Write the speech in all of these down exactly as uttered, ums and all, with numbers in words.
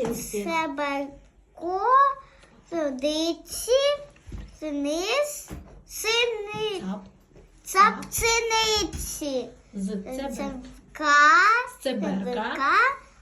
Молодці. Цеберко, водиці, синиць, сини, Цап. цапциниці. З цебер. Цебка, Цеберка.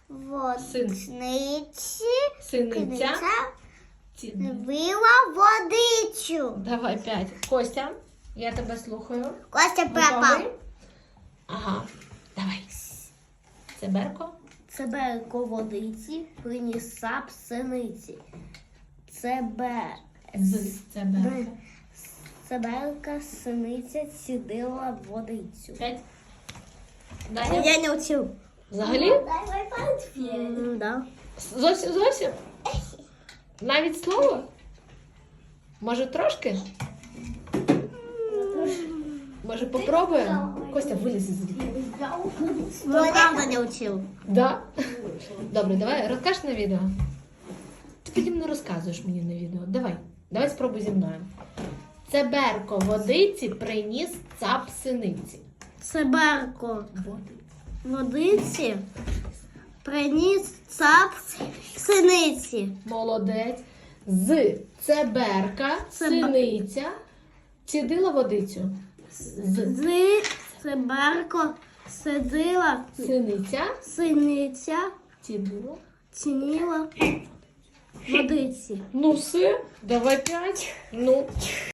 водниці, Синиця. Ці- била водичу. Давай п'ять. Костя, я тебе слухаю. Костя Готовий? пропав. Ага. Давай. Цеберко. Цеберко водиці, приніс сап синиці. Цебе... З цеберка. Цеберка синиця цідила водицю. П'ять. Далі. Я не учив. Взагалі? М, Да. Зовсім, зовсім? Навіть слово? Може трошки? Може попробуємо? Костя, виліз звідти. Ну, правда не учив. Да? Добре, давай розкажеш на відео. Ти потім не розказуєш мені на відео. Давай, давай спробуй зі мною. Цеберко водиці приніс цап синиці. Цеберко водиці, приніс цап синиці. Молодець. З цеберка синиця цідила водицю. З З цеберко сидила синиця синиця, цідила. цініла водиці. Ну все, давай п'ять. Ну.